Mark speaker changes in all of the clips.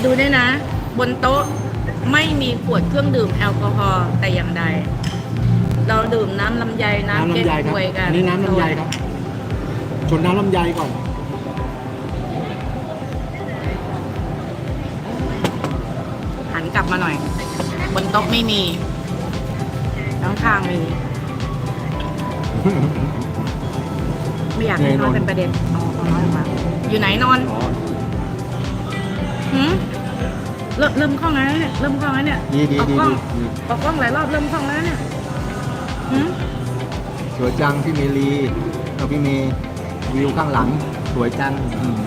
Speaker 1: ดูด้วยนะ บนโต๊ะไม่มีขวดเครื่องดื่มแอลกอฮอล์แต่อย่างใด เราดื่มน้ำลำไยน้ำ
Speaker 2: น้ำ
Speaker 1: เก๊ก
Speaker 2: ลำไยค
Speaker 1: ฮ
Speaker 2: รับ
Speaker 1: วยกัน
Speaker 2: อันนี้น้ำลำไยครับ ชนน้ำลำไยก่อน
Speaker 1: หันกลับมาหน่อย บนโต๊ะไม่มีข้างๆมี ไม่อยากให้นอนเป็นประเด็นเอาน้อยออกมาอยู่ไหนนอน
Speaker 2: อ๋อ
Speaker 1: หืมเริ่มคล่องแล้วเนี่ย เริ่มคล่องแล้วเนี่ย
Speaker 2: ดีดี
Speaker 1: ออก
Speaker 2: ดี
Speaker 1: กล้อง
Speaker 2: ดี
Speaker 1: ออกกล้องหลายรอบเริ่มคล่องแล้วเนี่ยหืม
Speaker 2: สวยจังพี่เมลีเอาพี่เมย์วิวข้างหลัง สวยจัง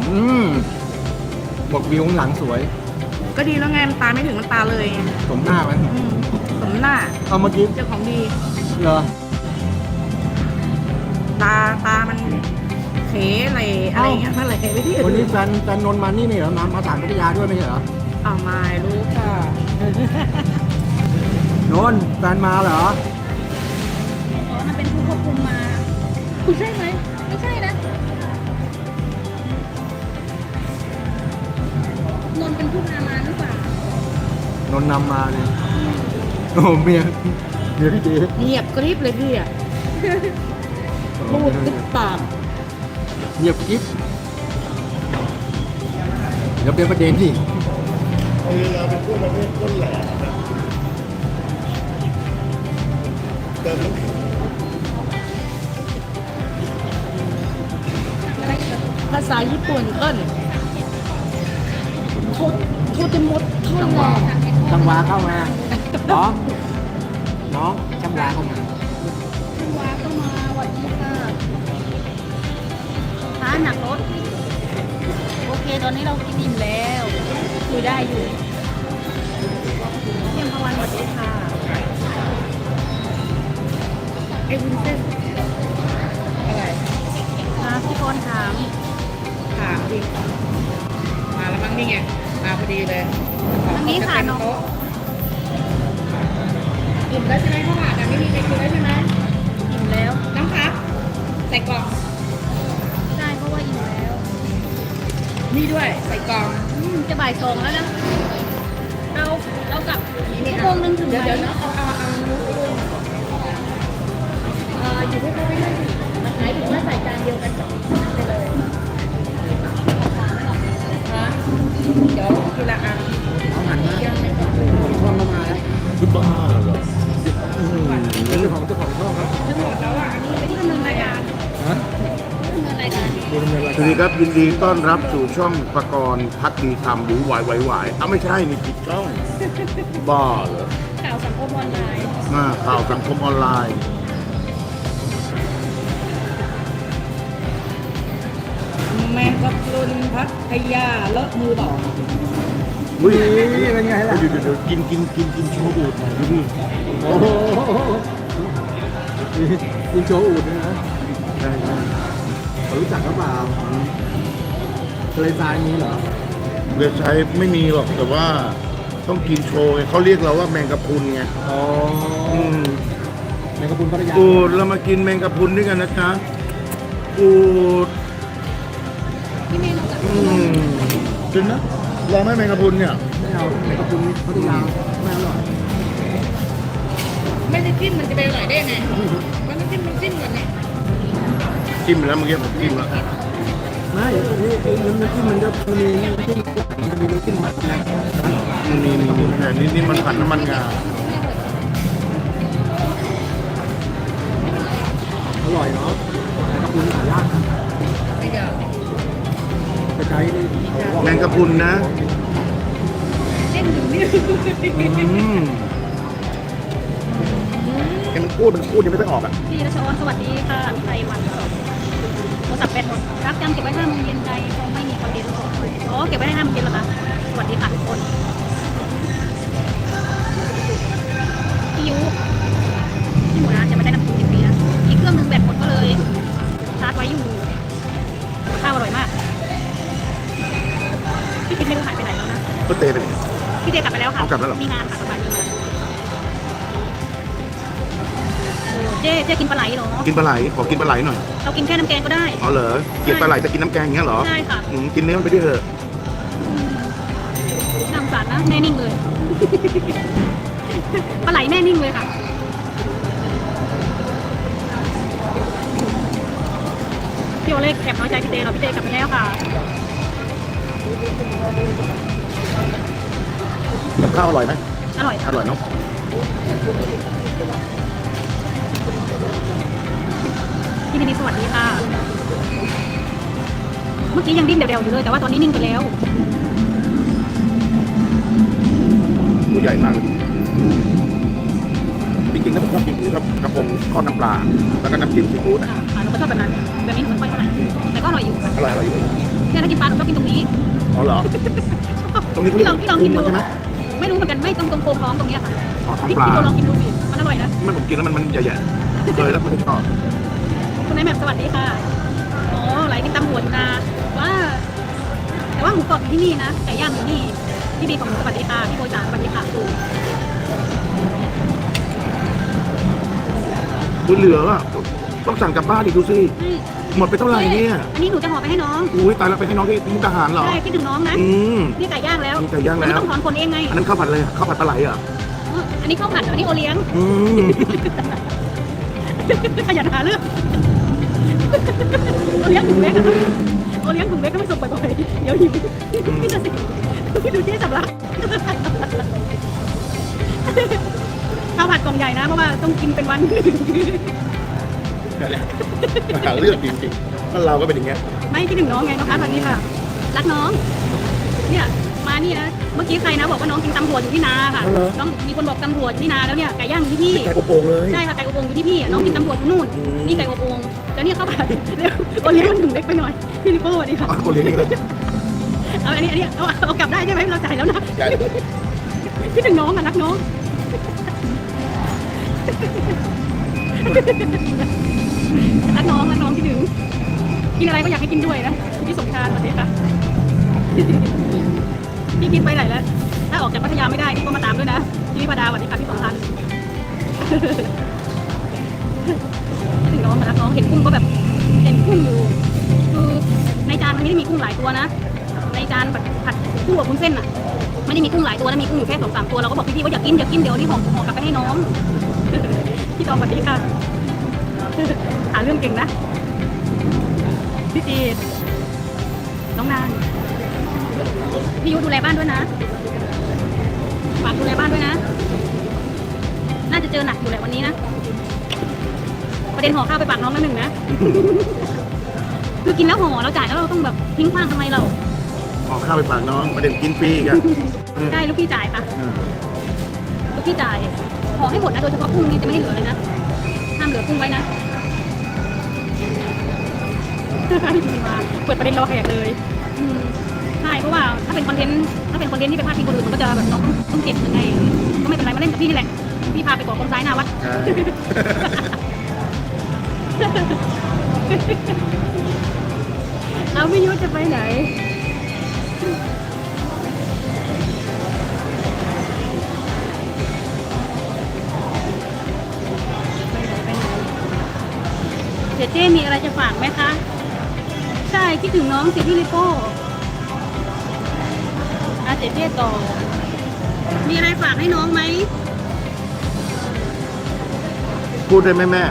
Speaker 2: บอกวิวข้างหลังสวย
Speaker 1: ก็ดีแล้วไงมันตาไม่ถึงมันตาเลยไง
Speaker 2: สมหน้าไหม
Speaker 1: อืมสมหน้า
Speaker 2: เอาเมื่อกี้
Speaker 1: เจ้าของดี
Speaker 2: เหรอ
Speaker 1: ตามันเขอะไรอะไรอย่างเงี้ยอะไรไปที่อื่
Speaker 2: วันนี้
Speaker 1: น
Speaker 2: แฟนนนท์มานี่เหรอมาถามพัทยาด้วยไม่ใช่เหรอ
Speaker 1: เอาไม่รู้ค่ะ
Speaker 2: นนท์แฟนมาเหรอ
Speaker 3: อ๋อมันเป็นผู้ควบคุมมา คุณใช่ไหม ไม่ใช่นะ นนท์เป็นผู้พามาหรือเปล่าน
Speaker 2: นท์นำมาเลยโอ้เมียพี่เจ๊
Speaker 1: เงียบกริบเลยพี่อะพูดติดปาก
Speaker 2: เงียบกิ๊บเดี๋ยวเป็นประเด็นที่
Speaker 4: เราเป็นพวกประเภทต้นแหลมนะเติมน้ำแข็ง
Speaker 1: ภาษาญี่ปุ่นเอิ้นโทจะมดเท่า
Speaker 2: จังห
Speaker 1: ไห
Speaker 2: วะ
Speaker 1: ร่
Speaker 2: จังหวะเข้ามาน้องจังหวะเข้ามา
Speaker 3: คุณว้าก็มาสวัสดีค่ะท้าหนักรถ โอเค ตอนนี้เรากินอิ่มแล้วคุยได้อยู่เที่ยงพวันสวัสดีค่ะ
Speaker 1: ไอ้วุ้นเส้นอะไร
Speaker 3: มาพี่กรณ์ถาม
Speaker 1: ถามดิมาแล้วมั้งนี่ไงมาพอดีเลย
Speaker 3: อันนี้ค่ะน้อง
Speaker 1: โต๊ะอิ่มแล้วใช่ไหมข้าวผัดอะไม่มีใครกินแล้วใช่ไหม
Speaker 3: อิ่มแล้ว
Speaker 1: น้องครับใส่กล่อง
Speaker 3: ใช่เพราะว่าอิ่มแล้ว
Speaker 1: นี่ด้วยใส่กล่อง
Speaker 3: จะบ่ายสองแล้วนะ เรากลับ
Speaker 1: นี่
Speaker 3: ชั่วโมงนึงถึงไหม
Speaker 1: เดี๋ยวนะเอานู้นไปด้วยอยู่ที่เขาไม่ได้มันหมายถึงว่าใส่จานเดียวกันสองไปเลยฮะเดี๋ยวทีละอัน
Speaker 2: เอาหันมา
Speaker 1: ยังไม่ต้อง
Speaker 2: ผมช่องเข้ามาแล้ว
Speaker 4: คือบ้าเหรอ
Speaker 2: เป็นเจ้าของช่องครับ
Speaker 1: ทั้งหมดแล้วอ่ะอันนี้ไม่ได้ดำเนินรายการ
Speaker 2: ฮะ
Speaker 3: ดำเนินรายการ
Speaker 2: ดูดำเนินราย
Speaker 4: สวัส
Speaker 2: กา
Speaker 4: ดี
Speaker 2: ร
Speaker 4: ครับยินดีต้อนรับสู่ช่องประกรณ์พักดีทำหรือวายวายอ้าวไม่ใช่นี่ผิดช่อง บ้าเหรอ
Speaker 3: ข่าวสังคมออนไลน์
Speaker 4: ข่าวสังคมออนไลน์
Speaker 1: แมงกะพรุนพัทยาเลอะมือบอก
Speaker 4: อุ้ย
Speaker 2: นี่เป็นไงล่ะ
Speaker 4: เดี๋ยวกินโชว์อูดหน่อยดูดิ
Speaker 2: โอ้โหคุณโชว์อูดด้วยนะ
Speaker 4: ใช่ใช่
Speaker 2: เขารู้จักหรือเปล่าทะเลทรายมีเหรอ
Speaker 4: เดือดใช้ไม่มีหรอกแต่ว่าต้องกินโชว์ไงเขาเรียกเราว่าแมงกะพรุนไง
Speaker 2: อ๋อ
Speaker 4: อืม
Speaker 2: ในกระพุนพัทยา
Speaker 4: อูดเรามากินแมงกะพรุนด้วยกันนะจ๊ะอูด
Speaker 3: พี่เมย์รู้จัก
Speaker 4: จริงนะลองไหมแมงกะพรุนเนี่ย
Speaker 2: ไม่เอาในกระพุนพัทยาไม่อร่อย
Speaker 1: ไม่ได้จิ้มมันจะไปอร่อยได้ไงมันต้องจิ้มก่อนเนี่ย
Speaker 4: จิ้มไปแล้วเมื่อกี้ผมจิ้มแล้ว
Speaker 2: ไม่น้ำจิ้มมันจะมีน้ำจิ้มมันมีน้ำจิ้มมันนะ
Speaker 4: นี่แต่นี่มันผัดน้ำมันงา
Speaker 2: อร่อยเนาะในกระพุนหายาก
Speaker 1: ไม่เดี๋ยว
Speaker 2: ไปใช้นี่
Speaker 4: แมงกะพรุนนะ
Speaker 1: เส้นอยู่นี่
Speaker 4: แกมันพูดยังไม่ได้ออกอ่ะ
Speaker 3: พี่รัชออนสวัสดีค่ะพี่ไทยวันสองโทรศัพท์แบตหมดรักจำเก็บไว้5 โมงเย็นใจคงไม่มีคอนเทนต์อ๋อเก็บไว้ให้5 โมงเย็นเหรอคะสวัสดีค่ะทุกคนพี่ยุพี่หมูนะจะไม่ได้น้ำจิ้ม10 ปีนะอีกเครื่องนึงแบตหมดก็เลยชาร์จไว้อยู่ข้าวอร่อยมากพี่คิดไม่รู้หายไปไหนแล้วนะ
Speaker 4: ก็เตะไปดิ
Speaker 3: พี่เจกลับไปแล้วค่ะ
Speaker 4: เอากลับแล้วเหรอ
Speaker 3: มีงานค่ะสบายดีเจ๊กินปลาไหลเหรอ
Speaker 4: กินปลาไหลขอกินปลาไหลหน่อย
Speaker 3: เรากินแค่น้ำแกงก็ได้
Speaker 4: อ๋อเหรอเกลียดปลาไหลแต่กินน้ำแกงอย่างเงี้ยเหรอ
Speaker 3: ใช่ค่ะ
Speaker 4: กินเนื้อมันไปด้วยเถอะ
Speaker 3: ได้นะ แน่นิ่งเลย ปลาไหลแน่นิ่งเลยค่ะพี่โอเล็กแอบน้อยใจพี่เต้เราพี่เต้กลับไปแล้วค่ะ
Speaker 4: กับข้าวอร่อยไหม
Speaker 3: อร่อย
Speaker 4: อร่อยเนาะ
Speaker 3: พี่นิดสวัสดีค่ะ เมื่อกี้ยังดิ้นเดี่ยวๆอยู่เลยแต่ว่าตอนนี้นิ่งไปแล้ว
Speaker 4: ตัวใหญ่มากจริงๆแล้วผมชอบกินคือครับกระพงทอดน้ำปลาแล้วก็น้ำจิ้มซีฟู้ดนะ
Speaker 3: ค่ะเราก็ชอบแบบนั้นแบบนี้หนูไม่ค่อยเท่าไหร่แต่ก็อร่อยอยู่ค่ะ
Speaker 4: อร่อยอยู่
Speaker 3: เนี่ยถ้ากินปลาหนูชอบกินตรงนี้
Speaker 4: อ๋อเหรอ ตรงนี้
Speaker 3: พี่ลองกินดู
Speaker 4: ใช่ไหม
Speaker 3: ไม่รู้เหมือนกันไม่ตรงโค้งท้องตรงเนี้ยค่ะ
Speaker 4: อ๋อท้อง
Speaker 3: พี่
Speaker 4: ปลา
Speaker 3: ลองกินดูสิมันอร่อยนะ
Speaker 4: ไม่ผมกินแล้วมันใหญ่ๆเคยแล้วไม่ชอบ
Speaker 3: คุณนายแหม่มสวัสดีค่ะอ๋อไหลกินตำหัวอยู่นะว่าแต่ว่าหมูกรอบอยู่ที่นี่นะไก่ย่างอยู่นี่พี่บีของหนูสวัสดีค่ะพี่โบจ๋าสวัสดีค่ะดู
Speaker 4: คุณเหลืออ่ะต้องสั่งกลับบ้านอีกดูสิหมดไปเท่าไหร่เนี่ย
Speaker 3: อันนี้หนูจะห่อไปให้น้อง
Speaker 4: อุ้ยตายแล้วไปให้น้องที่มุกดาหารเหรอ
Speaker 3: ใช่คิดถึงน้องนะ
Speaker 4: อืม
Speaker 3: นี่ไก่ย่างแล้ว
Speaker 4: นี่ไก่ย่างแล้ว
Speaker 3: มันต้องถอนคนเองไง
Speaker 4: อันนั้นข้าวผัดเลยข้าวผัดปลาไหลเหรอ
Speaker 3: อันนี้ข้าวผัดอันนี้โอเลี้ยง
Speaker 4: อืม
Speaker 3: ขยันหาเรื่องโอเลี้ยงถุงเล็กอะโอเลี้ยงถุงเล็กก็ไม่ส่งบ่อยๆเดี๋ยวหิวพี่จะสิพี่ดูเจ๊สำลักข้าวผัดกล่องใหญ่นะเพราะว่าต้องกินเป็นวัน
Speaker 4: หาเรื่องจริงๆถ้าเราก็เป็นอย่างเงี้ย
Speaker 3: ไม่คิดถึงน้องไงน้องอาร์ตวันนี้ค่ะ รักน้อง เนี่ยมานี่นะ เมื่อกี้ใครนะบอกว่าน้องกินตำรวจอยู่ที่นาค่ะ น้องมีคนบอกตำรวจที่นาแล้วเนี่ยไก่ย่างอยู่ที่พี่
Speaker 4: ไก่อบโอ่งเลย
Speaker 3: ใช่ค่ะไก่อบโอ่งอยู่ที่พี่น้องกินตำรวจอยู่นู่น
Speaker 4: อืม
Speaker 3: นี่ไก่อบโอ่งแล้วเนี่ยเข้าไปเร็วโอเลี้ยงมันถุงเล็กไปหน่อย พี่นิโก้สวัสดีค่ะ
Speaker 4: คนเลี้ยงนี่เลย
Speaker 3: เอาอันนี้เอากลับได้ใช่ไหมเราจ่ายแล้วนะ
Speaker 4: ใหญ่
Speaker 3: คิดถึงน้องอ่ะรักน้อง รักน้องคิดถึงกินอะไรก็อยากให้กินด้วยนะพี่สมชายสวัสดีค่ะ พี่กินไปไหนแล้ว ถ้าออกจากพัทยาไม่ได้นี่ก็มาตามด้วยนะพี่วิพาดาสวัสดีค่ะพี่สมพันธ์ คิดถึงน้องมารักน้องเห็นกุ้งก็แบบเห็นกุ้งอยู่คือในจานมันไม่ได้มีกุ้งหลายตัวนะ ในจานผัดคู่กับวุ้นเส้นอ่ะไม่ได้มีกุ้งหลายตัวนะมีกุ้งอยู่แค่2-3ตัวเราก็บอกพี่ๆว่าอยากกินเดี๋ยวนี่ห่อกลับไปให้น้อง พี่ตองสวัสดีค่ะ หาเรื่องเก่งนะพี่จีดน้องนานพี่ยุดูแลบ้านด้วยนะฝากดูแลบ้านด้วยนะ น่าจะเจอหนักอยู่แหละวันนี้นะประเด็นห่อข้าวไปฝากน้องแล้วหนึ่งนะ คือกินแล้วห่อเราจ่ายแล้วเราต้องแบบทิ้งขว้างทำไมเรา
Speaker 4: ออกข้าวไปฝากน้องประเด็นกินฟรีอีกัน
Speaker 3: ใช่ลูกพี่จ่ายค่ะลูกพี่จ่ายห่อให้หมดนะโดยเฉพาะกุ้งนี่จะไม่ให้เหลือเลยนะห้ามเหลือกุ้งไว้นะ มาเปิดประเด็นรอแขกเลยใช่เพราะว่าถ้าเป็นคอนเทนต์ที่เป็นพาดพิงคนอื่นมันก็จะแบบต้องเก็บยังไงก็ไม่เป็นไรมาเล่นกับพี่นี่แหละพี่พาไปกอดคนซ้ายหน้าวัด
Speaker 4: ใช่
Speaker 3: เอาพี่ยุทธจะไปไหนเจ๊มีอะไรจะฝากไหมคะใช่คิดถึงน้องสิพี่ลิโป้เจ๊ต่อมีอะไรฝากให้น้องไหม
Speaker 4: พูดได้ไหมแม่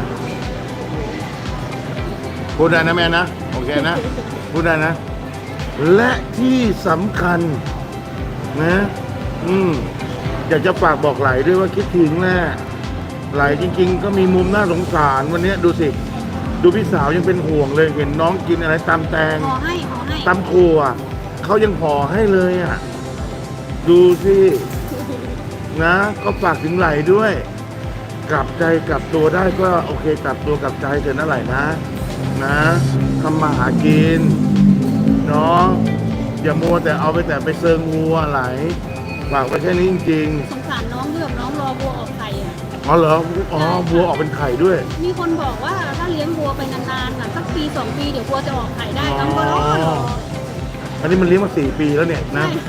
Speaker 4: พูดได้นะแม่นะโอเคนะพูดได้นะ และที่สำคัญนะอยากจะฝากบอกไหลด้วยว่าคิดถึงแน่ไหลจริงๆ ก็มีมุมน่าสงสารวันนี้ดูสิดูพี่สาวยังเป็นห่วงเลยเห็นน้องกินอะไรตำแตง
Speaker 3: ห่อให้
Speaker 4: ตำถั่วเขายังห่อให้เลยอ่ะดูสินะก็ฝากถึงไหลด้วย กลับใจกลับตัวได้ก็โอเคกลับตัวกลับใจเถอะนะไหลนะทำมาหากินเนาะอย่ามัวแต่เอาไปเซิงวัวไหลฝากไปแค่นี้จริง
Speaker 3: สงสารน้องเลือกน้องรอวัวออกไข่อ่ะ
Speaker 4: ๆอ๋อเหรออ๋อวัวออกเป็นไข่ด้วย
Speaker 3: มีคนบอกว่าถ้าเลี้ยงวัวไปนานๆน่ะสักปี2 ปีเดี๋ยววัวจะออกไข่ได้น้องก็รอ
Speaker 4: อันนี้มันเลี้ยงมา4 ปีแล้วเนี่ยนะ
Speaker 3: ใช่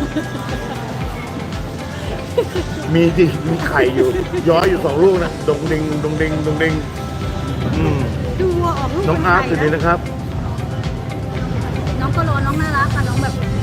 Speaker 4: มีจริงมีไข่อยู่ ย้อยอยู่2 ลูกนะดงดิง
Speaker 3: ดูวัวออกลูก
Speaker 4: น้องอาร์ตสวัสดีนะครับ
Speaker 3: น้องก็รอน้องน่ารักค่ะน้องแบบ